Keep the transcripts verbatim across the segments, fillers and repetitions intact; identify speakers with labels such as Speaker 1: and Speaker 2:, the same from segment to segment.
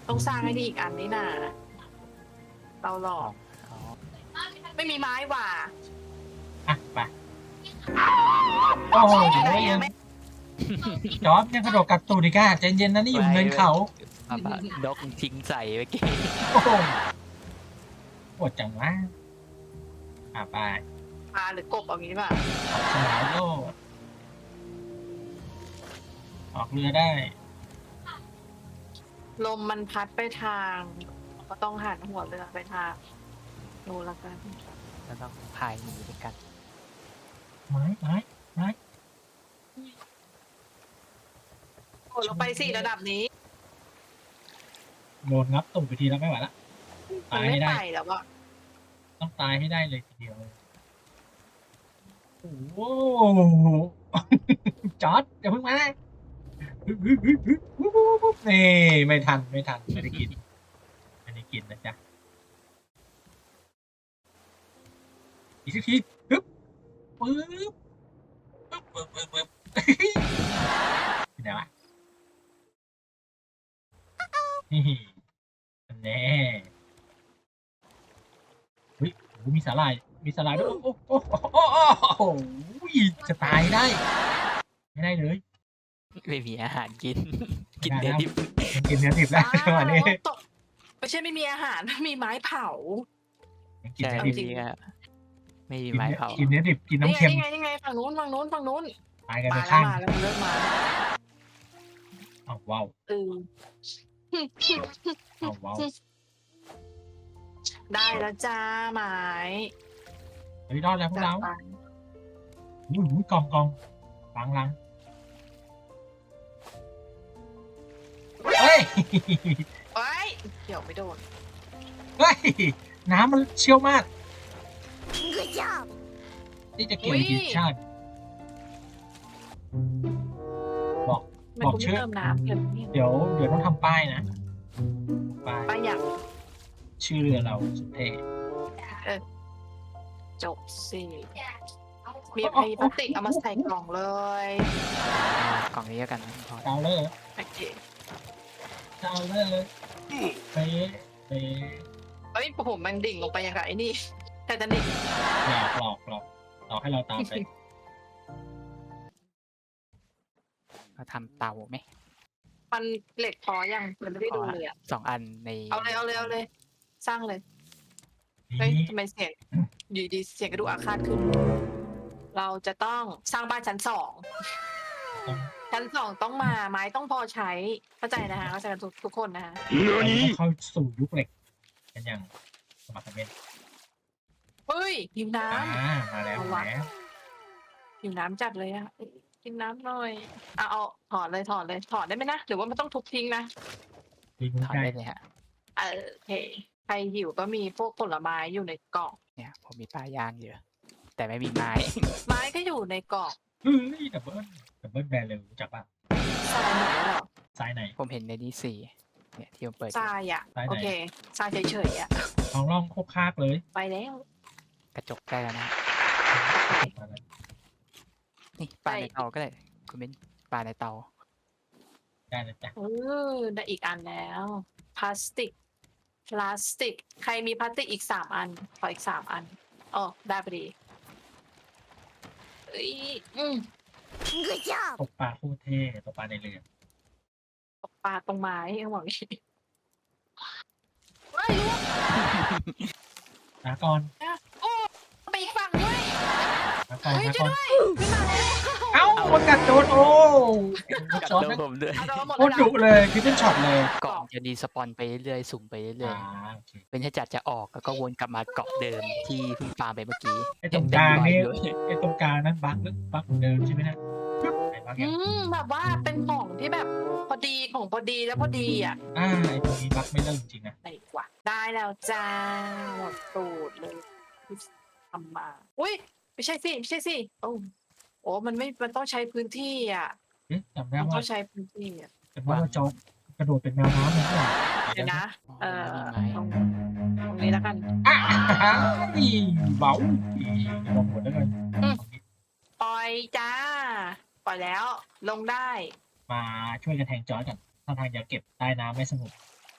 Speaker 1: ต้องสร้างให้ดีอีกอันนี้น่ะเราหลอก
Speaker 2: อ๋อ
Speaker 1: ไม่มีไม้ว่ะ
Speaker 3: อ่ะไปโอ้โห
Speaker 1: ได้ยังไม่
Speaker 3: จอร์จยังกระโดดกัดตูดอีกอ่ะใจเย็นนะนี่อยู่เนินเขา
Speaker 2: อ่ะปะนกทิ้งใส่เมื่อกี้
Speaker 3: โอ้โหปวดจังวะอ่ะไป
Speaker 1: ปลาหรือกบเอางี้ดีป่ะ
Speaker 3: ออกฉลามโลดออกเรือได้
Speaker 1: ลมมันพัดไปทาง ก็ต้องหันหัวเรือไปทางดูแล้วกัน
Speaker 2: แล้วต้องพายหนีด้วยกัน
Speaker 3: ไม้ไม้ไม้
Speaker 1: โอ้เราไปสี่ระดับนี้
Speaker 3: โดนงับตูดไปทีแล้วไม่ไหวละ
Speaker 1: มันไม่ไปแล้วอะ
Speaker 3: ต้องตายให้ได้เลยทีเดียวโอ้โหจอร์จอย่าเพิ่งมานี่ไม่ทันไม่ทันไม่ได้กินไม่ได้กินนะจ๊ะอีกสักทีปึ๊บปึ๊บปึ๊บปึ๊บปึ๊บปึ๊บที่ไหนวะนี่แน่เฮ้ยโอ้มีสาหร่ายมีสาหร่ายด้วยโอ้โอ้โอ้โอ้โอ้จะตายได้ไม่ได้เลย
Speaker 2: ไม่มีอาหารกิน กินเนื้อดิบ
Speaker 3: มันกินเนื้อดิบแล้วจังหวะนี้
Speaker 1: ตกไม่ใช่ไม่มีอาหาร มีไม้เผา
Speaker 3: มันกิน
Speaker 2: ใช่
Speaker 3: เนื้อ
Speaker 2: ไม่
Speaker 3: ดิบ
Speaker 2: มีอะไม่มี
Speaker 3: กิน
Speaker 2: ไม้
Speaker 3: เนื้อ
Speaker 2: เผา
Speaker 3: กินเนื้อดิบกิน
Speaker 1: นี่
Speaker 3: น้ำ
Speaker 1: ไง
Speaker 3: เค็ม
Speaker 1: นี่ไงนี่ไงฝั่งนู้นฝั่งนู้นฝั่งนู้น
Speaker 3: ตายกัน
Speaker 1: มา
Speaker 3: ไป
Speaker 1: แล้ว
Speaker 3: ข้าง
Speaker 1: มาแล้วมันเริ่มมา
Speaker 3: อ้าวว้าว
Speaker 1: เออ
Speaker 3: อ้าวว้าว
Speaker 1: ได้แล้วจ้าไม้
Speaker 3: เฮ้ยรอดแล้วพวกเรา
Speaker 1: จัดไป
Speaker 3: อุ้ยอุ้ยกองกองหลังหลังเฮ้ย
Speaker 1: เอ้ยเดี๋ยวไม่โดน
Speaker 3: เฮ้ยน้ำมันเชี่ยวมาก
Speaker 4: Good job.
Speaker 3: นี่จะเกี่ยวทีมชาติ บอก
Speaker 1: มัน
Speaker 3: บอก
Speaker 1: กู
Speaker 3: ชื่
Speaker 1: ไม่
Speaker 3: อ
Speaker 1: เติมน้ำเดี๋ยวนี้
Speaker 3: เดี๋ยวเดี๋ยวต้องทำป้ายนะป้าย
Speaker 1: ไปอย่าง
Speaker 3: ชื่อเรือเราสุดเท่
Speaker 1: จบสิมีไพพลาสติกเอามาใส่กล่องเลย
Speaker 2: กล่องนี้แล้วกันพอ
Speaker 3: เจ้าเลย
Speaker 1: โอเค
Speaker 3: เจ้าเลยเป๊ะเป๊ะ
Speaker 1: เอ้ยผมมันดิ่งลงไปอย่างไรไอ้นี่ไททานิก
Speaker 3: หลอกหลอกหลอกหลอกให้เราตามไป
Speaker 2: เราทำเตาไหม
Speaker 1: มันเหล็กพอยังมันไม่ได้ดูเลยอะ
Speaker 2: สองอันใน
Speaker 1: เอาเลยเอาเลยเอาเลย สร้างเลยเฮ้ย
Speaker 3: นี่
Speaker 1: ทำไมเสียงอยู่ดีเสียงกระดูกอาฆาตขึ้น เราจะต้องสร้างบ้านชั้นสองชั้นสองต้องมาไม้ต้องพอใช้เข้าใจนะคะเข้าใจกันทุกทุกคนนะคะ
Speaker 3: เราต้องเข้าสู่ยุคเหล็กกันอย่างสมัครเมน
Speaker 1: เฮ้ยหิวน้
Speaker 3: อ่ามาแล้วมาแล้ว
Speaker 1: ำหิวน้ำจัดเลยอะกินน้ำหน่อยเอาเอาถอดเลยถอดเลยถอดได้ไหมนะหรือว่ามันต้องทุบทิ้งนะ
Speaker 3: ดีมุ้ง
Speaker 2: ถอน
Speaker 3: ได้
Speaker 2: ได้เลยฮะ
Speaker 1: เออโอเคใครหิวก็มีพวกผลไม้อยู่ในกล่อง
Speaker 2: เนี่ยผมมีปลาย่างอยู่แต่ไม่มีไม้
Speaker 1: ไม้ก็อยู่ในกล่อง
Speaker 3: เฮ้ยดับเบิ้ลดับเบิ้ลแบรนด์เลยรู้จักป่ะ
Speaker 1: ทรายหมดแล้วเหรอ
Speaker 3: สายไหน
Speaker 2: ผมเห็นในนี้สี่เนี่ยที่ผมเปิดอ
Speaker 1: ท
Speaker 2: ยู่
Speaker 1: รายอะ
Speaker 3: ทรายไหน
Speaker 1: โอเคทรายเฉยๆอะ
Speaker 3: ท้องร่องโคกคากเลย
Speaker 1: ไปแล้ว
Speaker 2: กระจกได้แล้วนะนี่ปลาในเตาก็ได้คุณเป็นปลาในเตา
Speaker 3: ได้นะจ๊ะ
Speaker 1: เออได้อีกอันแล้วพลาสติกพลาสติก ใครมีพลาสติกอีกสามอันขออีกสามอันอ๋อได้พอดีเอ้ยอืม
Speaker 4: Good job.
Speaker 3: ตกปลาโคตรเท่ตกปลาในเรือ
Speaker 1: ตกปลาตรงไม้เขาบอกอย่างนี้เฮ้ยลูก
Speaker 3: ลาก่อน
Speaker 1: โอ้ไปอีกฝั่งด้วย
Speaker 3: ลาก่อน
Speaker 1: เฮ้ย
Speaker 3: ลา
Speaker 1: ช่ว
Speaker 3: ก่
Speaker 1: ย
Speaker 3: อน
Speaker 1: ด้วยขึ้นมาแล้ว
Speaker 3: เอ้าคนกัดโดนโอ้
Speaker 2: กัด
Speaker 3: ช็อต
Speaker 2: โดนผมด้วย
Speaker 1: เอาเราหมด
Speaker 3: โค
Speaker 1: แล้ว
Speaker 3: ตรดุเลยคือเป็นช็อตเลย
Speaker 2: เกาะจะดีสปอนไปเรื่อยๆสุ่มไปเรื่อย
Speaker 3: อ่าโอเค
Speaker 2: ๆเป็นถ้าจัดจะออกแล้วก็วนกลับมาเกาะเดิมที่เพิ่งฟาร์มไปเมื่อกี้
Speaker 3: ไอ้ตรงกลางนี่
Speaker 2: เต็มๆร้อย
Speaker 3: ไอ้ตรงกลางนั้นบั๊กหรือบั๊กเหมือนเดิมใช่ไหมนะไอ้บั๊ก
Speaker 1: อื
Speaker 3: ยัง
Speaker 1: มแบบว่าเป็นของที่แบบพอดีของพอดีแล้วพอดีอ่ะ
Speaker 3: อ่าไอ้ตรงนี้บั๊กไม่เริ่มจริงนะ
Speaker 1: ไหนกว่าได้แล้วจ้าหมดตูดเลยที่ทำมาอุ้ยไม่ใช่สิไม่ใช่สิโอ้โอ้มันไม่มันต้องใช้พื้นที่อ่ะ
Speaker 3: เอ๊ะจำได้
Speaker 1: มัน
Speaker 3: ว่า
Speaker 1: ต้องใช้พื้นที่อ่ะ
Speaker 3: จำได้ว่าจอร์จกระโดดเป็นแมวน้ำนะ
Speaker 1: เดี๋ยวนะ เออ
Speaker 2: มีไม้
Speaker 1: ตรงตรงนี้แล้วกัน
Speaker 3: อ่ะอีเบาอีลองหมดแล้วกัน
Speaker 1: ปล่อยจ้า ปล่อยแล้ว ลงได้
Speaker 3: มาช่วยกันแทงจอร์จกันถ้าทางจะเก็บใต้น้ำไม่สงบ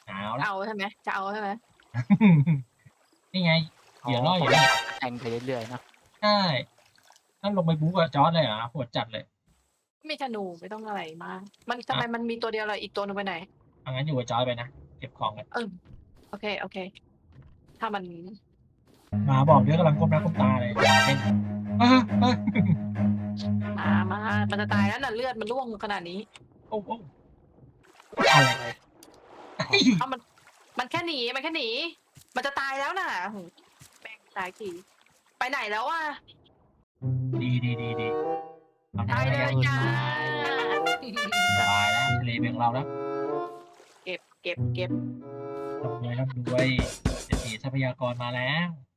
Speaker 3: เอาละ
Speaker 1: เอาใช่ไหมจะเอาใช่ไหม
Speaker 3: นี่ไงเหยื่อล่อเหยื่อล่อ
Speaker 2: แทงไปเรื่อยๆเนาะ
Speaker 3: ใช่ต้องลงไปบู๊กับจอร์ดเลยเหรอโหดจัดเลย
Speaker 1: มีธนูไม่ต้องอะไรมาก มันทำไมมันมีตัวเดียวเลยอีกตัวหนึงไปไหน
Speaker 3: เอางั้นอยู่กับจอร์ดไปนะเก็บของกัน
Speaker 1: เออโอเคโอเค ถ้ามัน
Speaker 3: หมาบอกเดี๋ยวกำลังก้มหน้าก้มตาเลยเป็นเออเออ
Speaker 1: มามามันจะตายแล้วน่ะเลือดมันร่วงขนาดนี้
Speaker 3: โอ้โอ้อะไร
Speaker 1: เอามัน มันแค่หนีมันแค่หนี มันจะตายแล้วน่ะโหแม่งตายกี่ไปไหนแล้วอ่ะ
Speaker 3: ดีดีดีดีทำ
Speaker 1: ตาย
Speaker 3: ได้
Speaker 1: เล
Speaker 3: แล้ว
Speaker 1: ยจ้า
Speaker 3: สบายแล้วทะเลเป็นของเราแล้ว
Speaker 1: เก็บเก็บเก็บ
Speaker 3: ร่ำรวยร่ำรวยเศรษฐีทรัพยากรมาแล้ว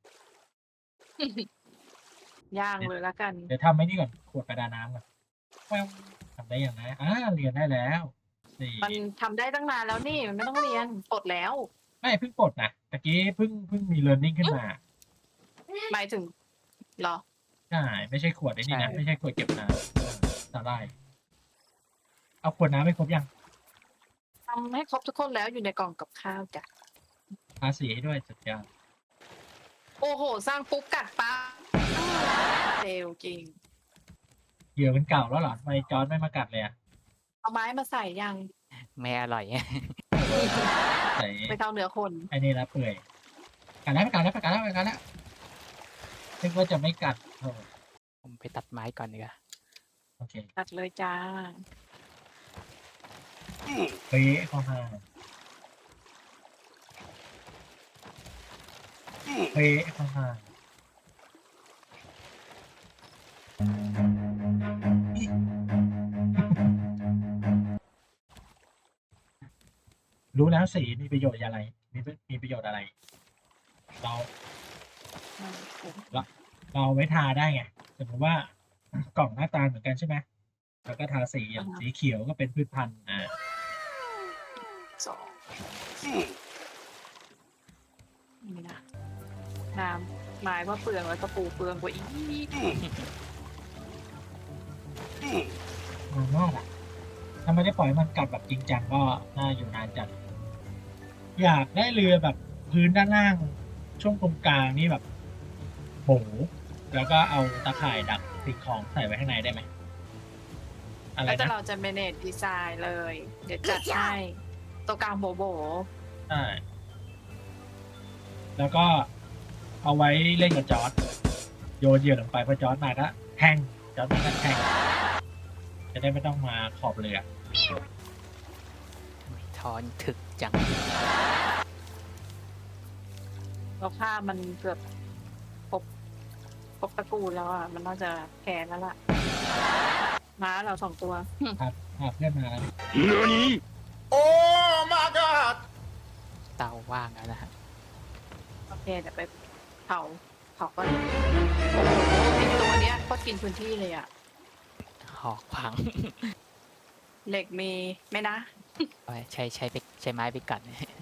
Speaker 1: ย่างเลยละกัน
Speaker 3: เดี๋ยวทำไอ้นี่ก่อนขวดกระดาน้ำก่อนแว้วทำได้อย่างไรอ่าเรียนได้แล้วสี่
Speaker 1: มันทำได้ตั้งนานแล้วนี่มันไม่ต้องเรียนปลดแล้ว
Speaker 3: ไม่เพิ่งปลดนะตะกี้เพิ่งเพิ่งมี learning ขึ้นมา
Speaker 1: หมายถึงเหรอ
Speaker 3: ใช่ไม่ใช่ขวดไอ้นี่นะไม่ใช่ขวดเก็บน้ำสาหร่ายเอาขวดน้ำไปครบยัง
Speaker 1: ทำให้ครบทุกคนแล้วอยู่ในกล่องกับข้าวจ้ะ
Speaker 3: ทาสีให้ด้วยสุดยอด
Speaker 1: โอ้โห สร้างปุ๊บกัดปั๊บเร็วจริง
Speaker 3: เหยื่อมันเก่าแล้วเหรอทำไมจอร์ดไม่มากัดเลยอ่ะ
Speaker 1: เอาไม้มาใส่ยัง
Speaker 2: ไม่อร่อย
Speaker 3: ใส่
Speaker 1: ไปเท่าเนื้อคน
Speaker 3: ไอ้นี่ละเปื่อยกัดแล้วกัดแล้วกัดแล้วกัดแล้วนึกว่าจะไม่กัดโอ้
Speaker 2: ผมไปตัดไม้ก่อนดีกว่า
Speaker 3: โอเค
Speaker 1: ตัดเลยจ้า
Speaker 3: เฮ้ยเข้ามาเฮ้ยเข้ามารู้แล้วสีมีประโยชน์อะไร มีมีประโยชน์อะไร เรา เราเอาไว้ทาได้ไงสมมติว่ากล่องหน้าตาเหมือนกันใช่ไหมแล้วก็ทาสีอย่าง
Speaker 1: อ่าฮะ
Speaker 3: สีเขียวก็เป็นพืชพันธุ์อ่า
Speaker 1: สองนี่นะน้ำไม้ว่าเปลืองแล้วตะปูเปลืองกว่าอีก
Speaker 3: มันมากอ่ะถ้าไม่ได้ปล่อยให้มันกัดแบบจริงจังก็น่าอยู่นานจัด อยากได้เรือแบบพื้นด้านล่าง ช่วงตรงกลางนี่แบบโหแล้วก็เอาตะข่ายดักสิ่งของใส่ไว้ข้างในได้ไหมอะไร
Speaker 1: แล้วแต่
Speaker 3: นะ
Speaker 1: เราจะเมเนจดีไซน์เลย เดี๋ยวจัดให้ตัวกลางโบโบ
Speaker 3: ใช่แล้วก็เอาไว้เล่นกับจอร์ดโยนเหยื่อลงไปพอจอร์ดมาก็แทงจอร์ดมาก็แทงจะได้ไม่ต้องมาขอบเรือ
Speaker 2: ทอนถึกจัง
Speaker 1: เราฆ่ามันเกือบครบครบตระกูลแล้วอ่ะ มันน่าจะแพ้แล้วล่ะ ม้าเราสองตัว
Speaker 3: ครับหาเพื่อนมาแล้ว
Speaker 2: เตาว่างแล้วนะฮะ
Speaker 1: โอเคเดี๋ยวไปเผาเผาก็โอ้โหไอตัวเนี้ยก็กินพื้นที่เลยอ่ะ
Speaker 2: หอกพัง
Speaker 1: เหล็กมีไหมนะ
Speaker 2: เอาไว้ใช้ใช้ไปใช้ไม้ไปกัด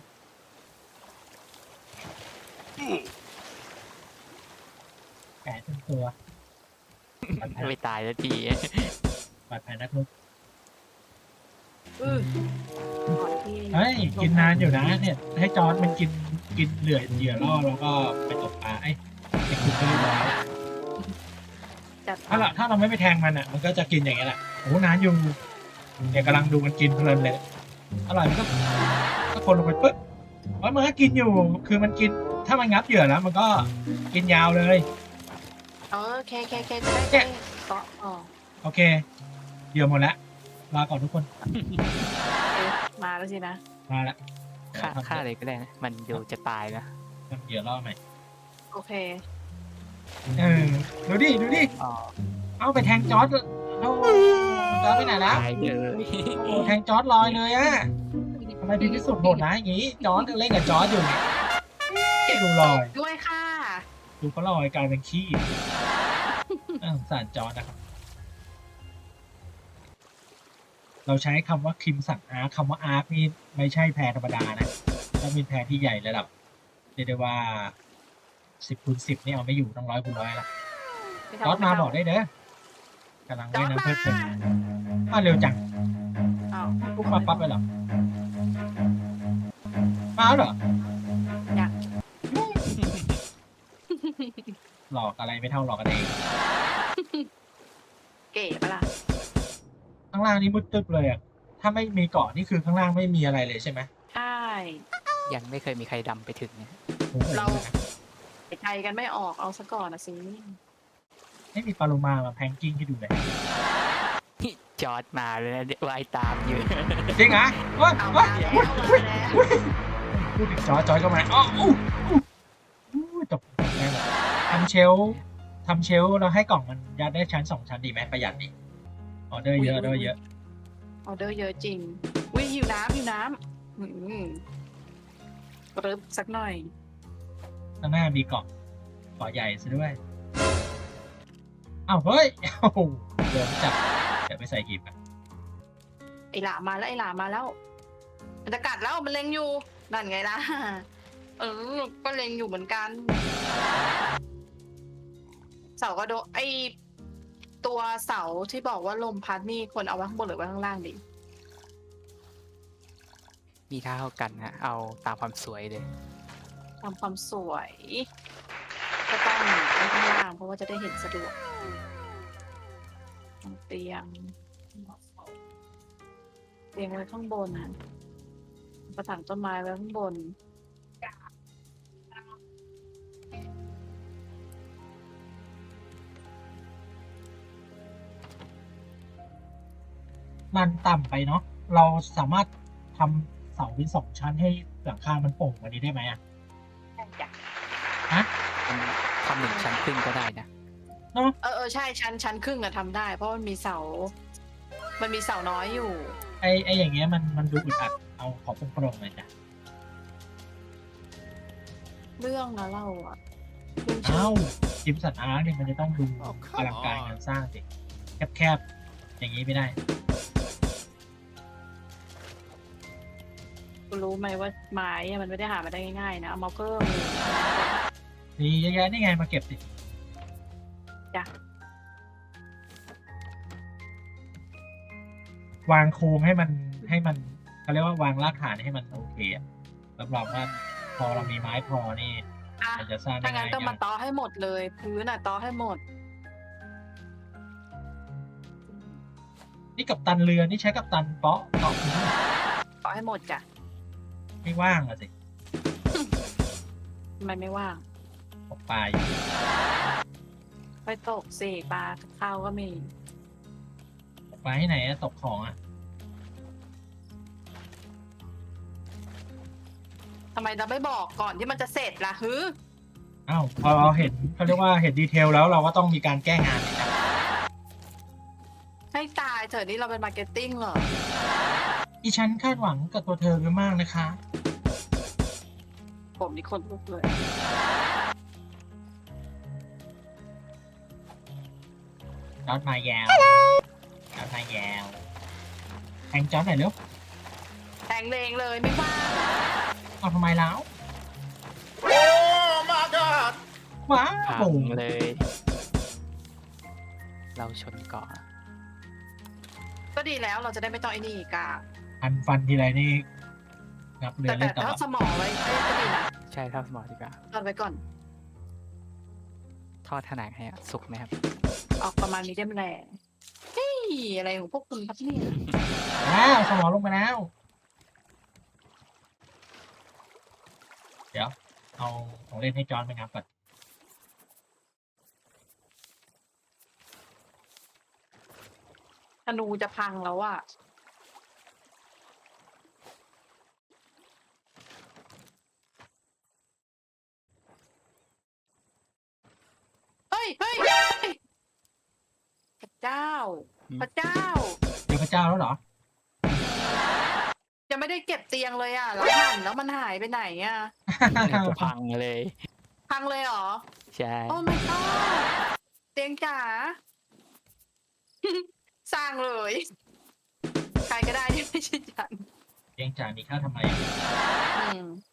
Speaker 3: แกะทั้งตัวบาดแผล
Speaker 2: ไม่ตายแล้วที
Speaker 3: บาดแผลนักรบ
Speaker 1: อือก่อนที่
Speaker 3: เฮ้ยกินนานอยู่นะเนี่ย ให้จอร์ดมันกินกินเหลือเหยื่อล่อแล้วก็ไปตกปลาไอ้ไอ้คุณก็เรียบร้อย
Speaker 1: จัด
Speaker 3: ถ้าเราถ้าเราไม่ไปแทงมันอ่ะมันก็จะกินอย่างเงี้ยแหละโอ้นานอยู่เนี่ยกำลังดูมันกินเพลินเลยอร่อยมันก็ก็คนลงไปปึ๊บแล้วมันก็กินอยู่คือมันกินถ้ามันงับเหยื่อแล้ว มันก็กินยาวเลย
Speaker 1: เออเคเคเคจะได้ไม่เกาะอ๋อ
Speaker 3: โอเคเหยื่อหมดแล้วลาก่อนทุกคน
Speaker 1: เอ๊ะมาแล้วสินะ
Speaker 3: มาละ
Speaker 2: ฆ่าฆ่าเลยก็ได้นะ มันดูจะตายนะ
Speaker 3: ทำเหยื่อล่อใหม่
Speaker 1: โอเค
Speaker 3: เออดูดิดูดิ
Speaker 2: อ๋อ
Speaker 3: เอาไปแทงจอร์ดเอาจอร์ดไปไหนแล้ว
Speaker 2: ตายเลย
Speaker 3: โอ้แทงจอร์ดลอยเลยอะทำไมพี่พิสุทธิ์โหดนะอย่างงี้จอร์ดเล่นกับจอร์ดอยู่เนี่ยดูลอย
Speaker 1: ด้วยค่ะ
Speaker 3: ดูเขาลอยกลายเป็นขี้น่าสงสารจอร์ดนะครับ เราใช้คำว่าคิมสันอาร์คคำว่าอาร์คนี่ไม่ใช่แพรธรรมดานะต้องเป็นแพรที่ใหญ่ระดับเรียกได้ว่าสิบคูณสิบนี่เอาไม่อยู่ต้องร้อยคูณร้อยละ
Speaker 1: ไม่
Speaker 3: จ
Speaker 1: เท่
Speaker 3: อร์ดมาบอกได้เด้อกำลังว่ายน้ำเพลิดเพลินมาเร็วจัง
Speaker 1: อ้าว
Speaker 3: ปุ๊บปั๊บปั๊บไปหรอมาแล้วเหรอ
Speaker 1: อยาก
Speaker 3: หลอกอะไรไม่เท่าหลอกกันเอง
Speaker 1: เก๋ปะล่ะ
Speaker 3: ข้างล่างนี่มืดตึ๊บเลยอ่ะถ้าไม่มีเกาะนี่คือข้างล่างไม่มีอะไรเลยใช่ไหม
Speaker 1: ใช่
Speaker 2: ยังไม่เคยมีใครดำไปถึงเนี่ย
Speaker 3: โอ้โห
Speaker 1: เรา ใจกันไม่ออกเอาซะก่อนนะสิ
Speaker 3: ไม่มีปลาโลมามาแพงกิ้งให้ดูเลย
Speaker 2: จอดมาเลยนะว่ายตามอยู่
Speaker 3: จริงเหรอเฮ้ย
Speaker 1: เอา
Speaker 3: เฮ้
Speaker 1: มาย แล้ว
Speaker 3: เฮ้ย
Speaker 1: มาแล้ว
Speaker 3: พูดถึงจอยจอยก็มาอ๋ออู้อู้อู้จบแน่เลยทำเชลฟ์ทำเชลฟ์เราให้กล่องมันยัดได้ชั้นสองชั้นดีไหมประหยัดดีออเดอร์เยอะออเดอร์เยอะ
Speaker 1: ออเดอร์เยอะจริงวิหิวน้ำหิวน้ำอืมรึบสักหน่อย
Speaker 3: ข้างหน้ามีเกาะเกาะใหญ่ซะด้วยอ้าวเฮ้ยโอ้โหเดินจับเดี๋ยวไปใส่หีบกัน
Speaker 1: ไอหลามาแล้วไอหลามาแล้ว มันจะกัดแล้วมันเล็งอยู่นั่นไงล่ะ เออ ก็เล็งอยู่เหมือนกัน เสากระโดดไอตัวเสาที่บอกว่าลมพัดนี่ควรเอาไว้ข้างบนหรือไว้ข้างล่างดี
Speaker 2: มีเท่ากันนะเอาตามความสวยเลย
Speaker 1: ตามความสวย ก็ต้องไว้ข้างล่างเพราะว่าจะได้เห็นสะดวกเตียงเตียงไว้ข้างบนนะกระถางต้นไม้ไว้ข้างบน
Speaker 3: มันต่ำไปเนาะเราสามารถทำเสาเป็นสองชั้นให้หลังคามันโป่งกว่านี้ได้ไหมอ่ะ ฮะ
Speaker 2: มันทำหนึ่งชั้นครึ่งก็ได้นะ
Speaker 1: เออเออใช่ชั้นชั้นครึ่งอะทำได้ เพราะมันมีเสา มันมีเสาน้อยอยู่
Speaker 3: ไอไออย่างเงี้ยมันมันดูอึดอัดเอาขอโปร่งๆเลยจ้ะ
Speaker 1: เรื่องนะเราอะเรื่องชื่
Speaker 3: เอ้า
Speaker 1: อ
Speaker 3: จิมสันอาร์เนี่ยมันจะต้องดูอลังการงานสร้างสิแคบๆอย่างนี้ไม่ได้
Speaker 1: คุณรู้ไหมว่าไม้อะมันไม่ได้หามาได้ง่ายๆนะเอามาเพิ่ม
Speaker 3: นี่เยอะแยะนี่ไงมาเก็บสิ
Speaker 1: จ้ะ
Speaker 3: วางโครงให้มันให้มันเขาเรียกว่าวางรากฐานให้มันโอเคอะรับรองว่าพอเรามีไม้พอนี่
Speaker 1: อ่ะ
Speaker 3: มันจะสร้างได้
Speaker 1: ถ้างั้
Speaker 3: ง่าน ย
Speaker 1: ก็มาต่อให้หมดเลย พื้นอะต่อให้หมด
Speaker 3: นี่กับตันเรือนี่ใช้กับตันเปาะเกาะพื้น
Speaker 1: ต่อให้หมดจ้ะ
Speaker 3: ไม่ว่างอะสิ
Speaker 1: ทำไมไม่ว่าง
Speaker 3: ตกปลาอยู่
Speaker 1: ไปตกสิปลาข้าวก็มี
Speaker 3: ตกปลาที่ไหนอะตกของอะ
Speaker 1: ทำไมเราไม่บอกก่อนที่มันจะเสร็จล่ะฮึ
Speaker 3: อ้าวพอเราเห็นเขาเรียกว่าเห็นดีเทลแล้วเราก็ต้องมีการแก้งานสิครับ
Speaker 1: ให้ตายเถอะนี่เราเป็นมาร์เก็ตติ้งเหรอ
Speaker 3: ดิฉันคาดหวังกับตัวเธอไปมากนะคะ
Speaker 1: ผมนี่คนลุกเลย
Speaker 3: จอดมายาวจอดมายาวแทงจอดหน่อยเร็ว
Speaker 1: แทงเลงเลยไม่ว่าง
Speaker 3: เอาทำไมแล้ว
Speaker 5: โอ้ my god
Speaker 3: ว้า
Speaker 2: พั
Speaker 3: ว
Speaker 2: งเลย เราชนเกาะ
Speaker 1: ก็ดีแล้วเราจะได้ไม่ต้องไอ้นี่กา
Speaker 3: พันฟันทีไรนี่นับเรือ
Speaker 1: แต่
Speaker 3: เล่
Speaker 1: แต่
Speaker 3: นตล
Speaker 1: ถ้า
Speaker 3: อด
Speaker 1: สมองไว้ก็ดีนะ
Speaker 2: ใช่เท่าสมอดีกว่า
Speaker 1: ตอนไว้ก่อน
Speaker 2: ทอดขนาดให้อะสุกไหมครับ
Speaker 1: ออกประมาณมีเดียมแรงเฮ้ยอะไรของพวกคุณครับเนี่ย
Speaker 3: แล้วสมองลงไปแล้ว เดี๋ยว เอาของเล่นให้จอร์นไปงับก่อน
Speaker 1: ธนูจะพังแล้วอะเฮ้ยเฮ้ยเฮ้ยพระเจ้า
Speaker 2: อืม
Speaker 1: พระเจ้า
Speaker 3: เจอพระเจ้าแล้วเหรอ
Speaker 1: ยังไม่ได้เก็บเตียงเลยอะแล้วหันแล้วมันหายไปไหนอะ
Speaker 2: เนี่ยจะพังเลย
Speaker 1: พังเลยเหรอ
Speaker 2: ใช่
Speaker 1: โอ้ my god เตียงจ๋า สร้างเลย ใครก็ได้ที่ไม่ใช่ฉัน
Speaker 3: เพียงจ่ามีค่าทำไม
Speaker 1: อืม